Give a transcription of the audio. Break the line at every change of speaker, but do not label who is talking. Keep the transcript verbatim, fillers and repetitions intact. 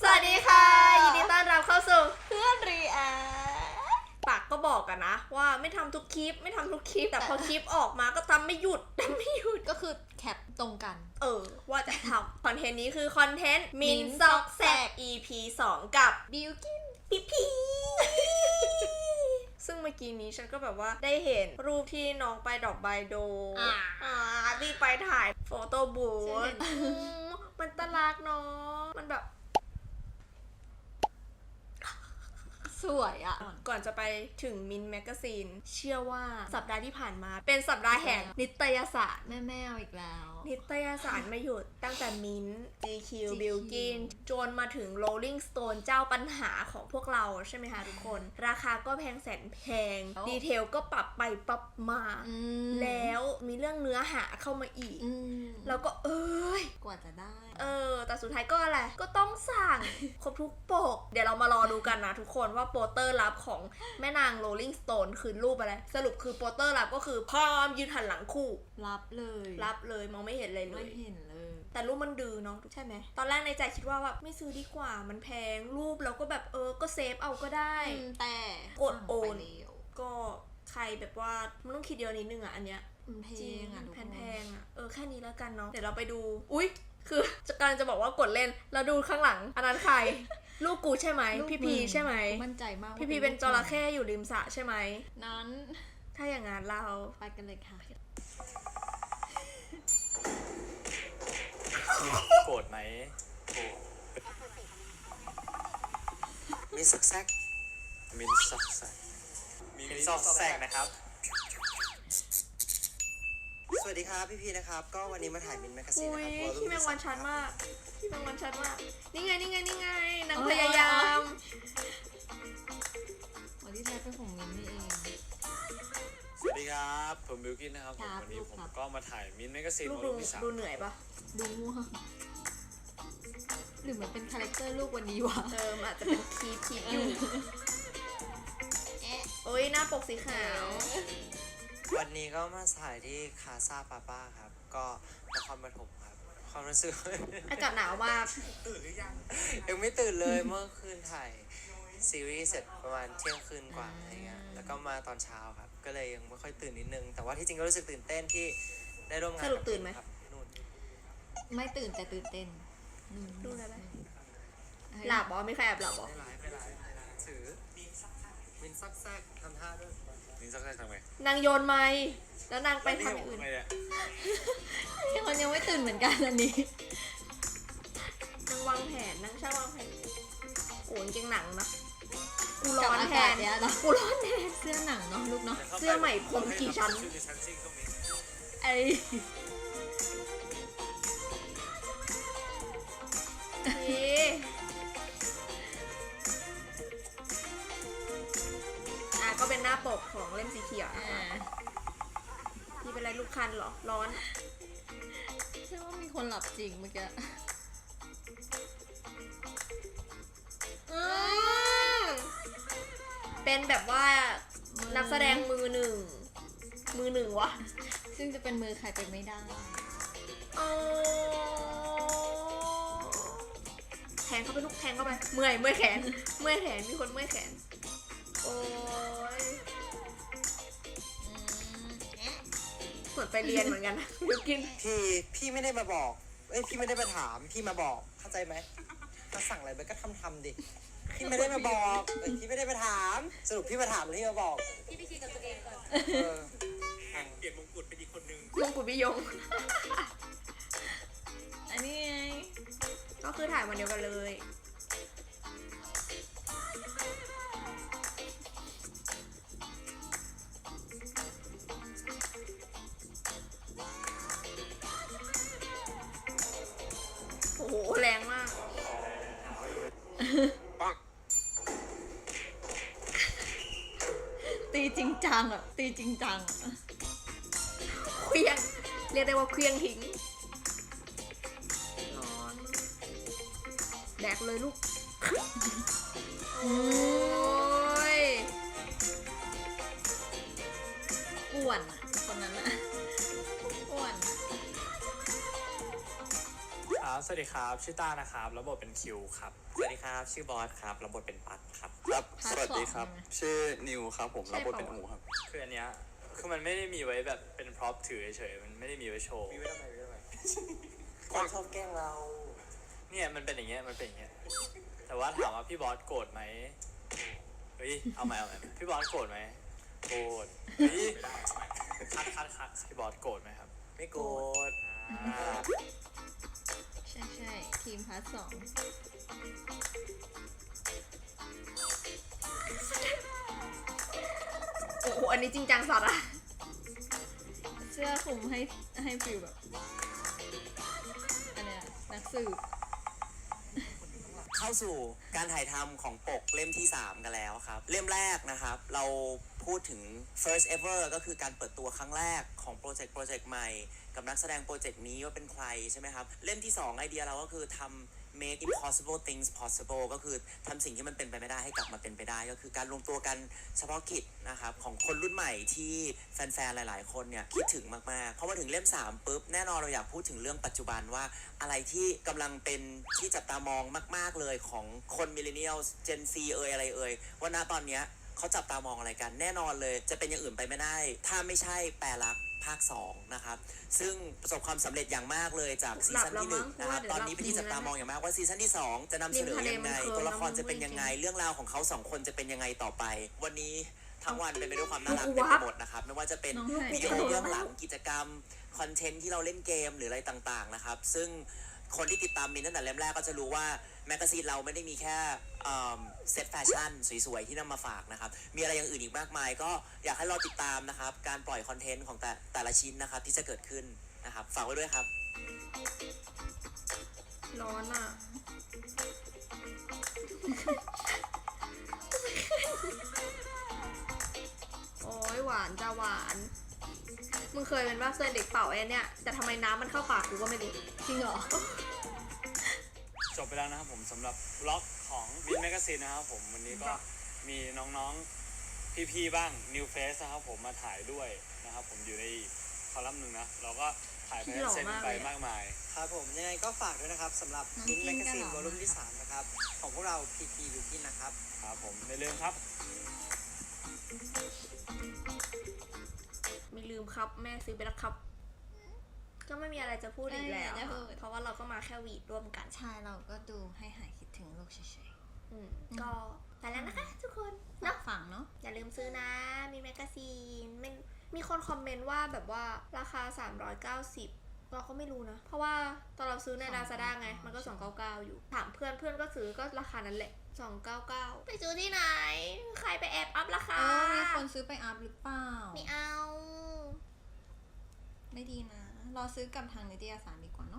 วัสดีค่ะยินดีต้อนรับเข้าสู่
เพื่อนรีแอ
ปากก็บอกกันนะว่าไม่ทำทุกคลิปไม่ทำทุกคลิปแต่พอคลิปออกมาก็ทำไม่หยุดทำไม่หยุด
ก็คือแคปตรงกัน
เออว่าจะทำคอนเทนต์นี้คือคอนเทนต์มินซอกแซก อี พี สองกับ
บิวกิน
พีพีซึ่งเมื่อกี้นี้ฉันก็แบบว่าได้เห็นรูปที่น้องไปดอกไบโดอ่าที่ไปถ่ายโฟโต้บูธมันตลากเนาะมันแบบ
สวยอ่ะ
ก่อนจะไปถึงมินแมกกาซีนเชื่อว่าสัปดาห์ที่ผ่านมาเป็นสัปดาห์แห่งนิตยสาร
แม่แม่เอาอีกแล้ว
นิตยสารไม่หยุดตั้งแต่มิน จี คิว Bilkin จนมาถึง Rolling Stone เจ้าปัญหาของพวกเราใช่ไหมคะทุกคนราคาก็แพงแสนแพงดีเทลก็ปรับไปปรับมาแล้วมีเรื่องเนื้อหาเข้ามาอีกแล้วก็เอ้ย
กว่าจะได้
เออแต่สุดท้ายก็อะไรก็ต้องสั่งครบทุกปกเดี๋ยวเรามารอดูกันนะทุกคนว่าโปสเตอร์ลับของแม่นาง Rolling Stone คือรูปอะไรสรุปคือโปสเตอร์ลับก็คือพร้อมยืนหันหลังคู่
รับเลย
รับเลยมองไม่เห็นเลยเลย
ไม่เห็นเลย
แต่รูปมันดื้อเนาะใช่ไหมตอนแรกในใจคิดว่าแบบไม่ซื้อดีกว่ามันแพงรูปแล้วก็แบบเออก็เซฟเอาก็ได้
แต่
กดโอนก็ใครแบบว่ามันต้องคิดเดียวนิดนึงอ่ะอันเนี้ย
แพงอ่ะ
แพงแพงอ่ะเออแค่นี้แล้วกันเนาะเดี๋ยวเราไปดูอุ๊ยคือจะการจะบอกว่ากดเล่นแล้วดูข้างหลังอันนั้นใครลูกกูใช่ไหมพี่พีใช่ไหม
มั่นใจมาก
พี่พีเป็นจระเข้อยู่ริมสระใช่ไหม
นั้น
ถ้าอย่างงั้นเรา
ไปกันเลยค่ะ
โกรธไหม
มินซอกแซก
มินซอกแซกมินซอกแซกนะครับ
สวัสดีครับพี่พีนะครับก็วันนี้มาถ่ายมินแมกกาซีนนะครับ
พี่แมงวันชัดมากพี่แมงวันชัดมากนี่ไงนี่ไงนี่ไงนางพยายาม
วันที่แท้เป็นของมินนี่เอง
สวัสดีครับผมบิวกินนะครับวันนี้ผมก็มาถ่ายมินแมกกาซีน
ลูกดูดูเหนื่อยปะ
ดูง่วงหรือมันเป็นคาแรคเตอร์ลูกวันนี้วะ
เอออาจจะเป็นคีคีอยู่โอ้ยหน้าปกสีขาว
วันนี้ก็มาถ่ายที่คาซาปาป้าครับก็นครปฐมครับความรู้สึก
อากาศหนาวมาก
ตื่นหรือยังยังไม่ตื่นเลยเมื่อคืนถ่ายซีรีส์เสร็จประมาณเที่ยงคืนกว่าอะไรเงี้ยแล้วก็มาตอนเช้าครับก็เลยยังไม่ค่อยตื่นนิดนึงแต่ว่าที่จริงก็รู้สึกตื่นเต้นที่ได้ร่วมงาน
สรุปตื่นไหม
นู่น
ไม่ตื่นแต่ตื่นเต้น
ดูอะไรหลับบอไม่ใครแอบหลับบอ
ไม่ไลฟ์ไม่ไลฟ์ถือมินซักแซกทำท่าด้วย
มินซักแซกทำไง
นางโยนไม้แล้วนางไปทำอื่น
ยังคนยังไม่ตื่นเหมือนกันอันนี้
นางวางแผนนางช่างวางแผนโอ้ยเก่งหนังนะกูร้อนแทน
เนี่ย
กูร้อนแทน
เสื้อหนังเนาะลูกเนาะ
เสื้อใหม่ผมกี่ชั้น
ไอ้
อ่ะก็เป็นหน้าปกของเล่มสีเขียวนะคะนี่เป็นอะไรลูกคันเหรอร้อน
ใช่ว่ามีคนหลับจริงเมื่อกี้
เป็นแบบว่านักแสดงมือหนึ่งมือหนึ่งวะ
ซึ่งจะเป็นมือใครไปไม่ได้
แทงเข้าไปลูกแทงเข้าไปเมื่อยเมื่อยแขนเมื่อยแขนมีคนเมื่อยแขนโอ้ยเหมือนไปเรียนเหมือนกันนะบิวกิน
พี่พี่ไม่ได้มาบอกเอ้ยพี่ไม่ได้มาถามพี่มาบอกเข้าใจไหมมาสั่งอะไรไปก็ทำทำดิพี่ไม่ได้มาบอกเอ้ยพี่ไม่ได้มาถามสรุปพี่มาถามหรือพี่มาบอก
พี่ไปคิดกับตัวเองก่อน
เปลี่ยนมงกุฎเป็นอีกคนนึง
มงกุฎพิยง
อันนี้ไง
ก็คือถ่ายวันเดียวกันเลยโอ้โหแรงมาก
ตีจริงจังอ่ะตีจริงจัง
เคลี้ยงเรียกได้ว่าเคลี้ยงทิ้งแดกเลยลูกโอ้ย
อ้วนคนนั้นอะอ้วน
ครับสวัสดีครับชื่อต้านะครับแล้วบทเป็นคิวครับ
สวัสดีครับชื่อบอสครับรับบทเป็นปัดครับ
ครับ
พาร์ท
สวัสดีครับ
สองใช่ไหม
ชื่อนิวครับผม
ใช่
รับบทเป็น
เปล่า
อูครับ
คืออันเนี้ยคือมันไม่ได้มีไว้แบบเป็นพร็อพถือเฉยๆมันไม่ได้มีไว้โชว์
มีไว้ทำไมมีไว้ทำไมคนชอบแกล้งเรา
เนี่ยมันเป็นอย่างเงี้ยมันเป็นอย่างเงี้ยแต่ว่าถามว่าพี่บอสโกรธไหมเฮ้ยเอาใหม่เอาใหม่พี่บอสโกรธไหมโกรธเฮ้ยคัดคัดคัดพี่บอสโกรธไหมครับ
ไม่โกรธ
อ่า
ใช่ใช่ทีมพาร์ทสอง
โอ้โหอันนี้จริงจังสัตว์อะ
เสื้อคลุมให้ให้ฟิลแบบอันเนี้ยนักสืบ
เข้าสู่การถ่ายทำของปกเล่มที่สามกันแล้วครับเล่มแรกนะครับเราพูดถึง first ever ก็คือการเปิดตัวครั้งแรกของโปรเจกต์โปรเจกต์ใหม่กับนักแสดงโปรเจกต์นี้ว่าเป็นใครใช่ไหมครับเล่มที่สองไอเดียเราก็คือทำ make impossible things possible ก็คือทำสิ่งที่มันเป็นไปไม่ได้ให้กลับมาเป็นไปได้ก็คือการรวมตัวกันเฉพาะกิจนะครับของคนรุ่นใหม่ที่แฟนๆหลายๆคนเนี่ยคิดถึงมากๆพอมาถึงเล่มสามปุ๊บแน่นอนเราอยากพูดถึงเรื่องปัจจุบันว่าอะไรที่กำลังเป็นที่จับตามองมากๆเลยของคนมิลเลนเนียลเจนซีเอ่ยอะไรเอ่ยว่าณตอนเนี้ยเขาจับตามองอะไรกันแน่นอนเลยจะเป็นอย่างอื่นไปไม่ได้ถ้าไม่ใช่แปรลักษณ์ภาคสองนะครับซึ่งประสบความสำเร็จอย่างมากเลยจากซีซั่นที่หนึ่งนะครับตอนนี้เป็นที่จับตามองอย่างมากว่าซีซั่นที่สองจะนำเสนอยังไงตัวละครจะเป็นยังไงเรื่องราวของเขาสองคนจะเป็นยังไงต่อไป วันนี้ทั้งวันเป็นไปด้วยความน่ารักเต็มไปหมดนะครับไม่ว่าจะเป็น
น้องไห่
วิดีโอเบื้องหลังกิจกรรมคอนเทนต์ที่เราเล่นเกมหรืออะไรต่างๆนะครับซึ่งคนที่ติดตามมินตั้งแต่เล่มแรกก็จะรู้ว่าแมกกาซีนเราไม่ได้มีแค่เซตแฟชั่นสวยๆที่นำมาฝากนะครับมีอะไรอย่างอื่นอีกมากมายก็อยากให้เราติดตามนะครับการปล่อยคอนเทนต์ของแต่แต่ละชิ้นนะครับที่จะเกิดขึ้นนะครับฝากไว้ด้วยครับ
ร้อนอะโอ้ยหวานจะหวาน มึงเคยเป็นว่าเคยเด็กเป่าไอ้เนี่ยแต่ทำไมน้ำมันเข้าปากกูก็ไม่รู้
จริงเหรอ
จบไปแล้วนะครับผมสำหรับบล็อกของบินแมกซีนนะครับผมวันนี้ก็มีน้องๆพี่ๆบ้าง New Face นะครับผมมาถ่ายด้วยนะครับผมอยู่ในคอลัมน์หนึ่งนะเราก็ถ่ายไปเซ็นไปมากมาย
ครับผมยังไงก็ฝากด้วยนะครับสำหรับ
น้อง
มิน
กิ
แม
น
ก
กัน
ซี
เห
น
รอ
วอลุ่มที่สามนะครับของพวกเรา พี ที บิวกินนะครับ
ครับผมไม่ลืมครับ
ไม่ลืมครับแม่ซื้อไปแล้วครับ ก็ไม่มีอะไรจะพูดอีกแล้ว
ไม่มีอะไรจะพูด
เพราะว่าเราก็มาแค่หวีดร่วมกัน
ใช่เราก็ดูให้หายคิดถึงโลกเฉย
อืมก็ไปแล้วนะคะทุกคน
ๆ
เนาะ
ฝังเนาะ
อย่าลืมซื้อนะ มีแมกกาซีนมันมีคนคอมเมนต์ว่าแบบว่าราคา สามร้อยเก้าสิบ เราก็ไม่รู้นะ เพราะว่าตอนเราซื้อใน Lazada ไง มันก็ สองร้อยเก้าสิบเก้า อยู่ ถามเพื่อนเพื่อนก็ซื้อก็ราคานั้นแหละ สองร้อยเก้าสิบเก้า ไปซื้อที่ไหน ใครไปแอบอัพราคา
เออมีคนซื้อไปอัพหรือเปล่า
ไม่เอา
ไม่ดีนะ รอซื้อกับทางนิตยสารดีกว่า